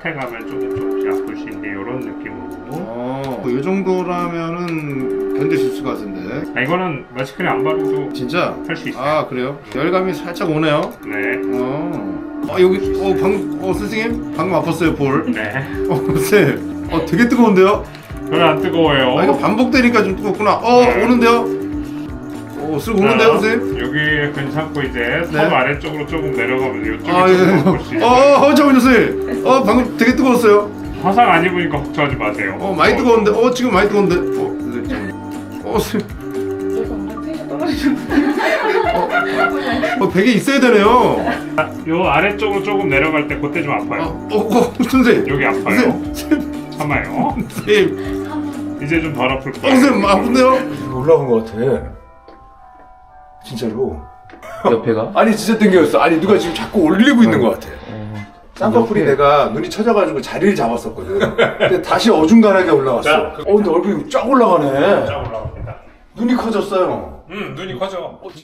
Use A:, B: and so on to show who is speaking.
A: 앞에 가면 조금씩 아플 수 있는데 이런 느낌으로.
B: 이 정도라면은 견디실 수 같은데.
A: 아, 이거는 마스크를 안 바르도
B: 진짜?
A: 할 수 있어요.
B: 아 그래요? 열감이 살짝 오네요.
A: 네.
B: 여기 방금 선생님 방금 아팠어요 볼.
A: 네.
B: 쌤. 되게 뜨거운데요?
A: 별로 안 뜨거워요.
B: 이거 반복되니까 좀 뜨겁구나.
A: 네.
B: 오는데요? 쓱 오는데요, 선생님?
A: 여기 괜찮고 이제 턱
B: 네.
A: 아래쪽으로 조금 내려가면 이쪽이
B: 예.
A: 조금 아플 수 있어요.
B: 잠깐만요, 선생님. 방금 되게 뜨거웠어요.
A: 화상 안 입으니까 걱정하지 마세요.
B: 많이 뜨거운데. 지금 많이 뜨거운데. 선생님. 선생님.
C: 그래서 엄청 텐션 떨어지셨는데.
B: 베개 있어야 되네요.
A: 요 아래쪽으로 조금 내려갈 때 그때 좀 아파요.
B: 선생님.
A: 여기 아파요.
B: 선생님.
A: 참아요.
B: 선생님.
A: 이제 좀 덜 아플 거예요.
B: 선생님, 아픈데요?
D: 올라온 것 같아. 진짜로.
E: 옆에가?
D: 아니 진짜 땡겨졌어. 아니 누가 지금 자꾸 올리고 있는 것 같아. 쌍꺼풀이 내가 눈이 처져가지고 자리를 잡았었거든. 근데 다시 어중간하게 올라왔어. 근데 얼굴이 쫙 올라가네.
A: 쫙 올라갑니다.
D: 눈이 커졌어요.
A: 눈이 커져.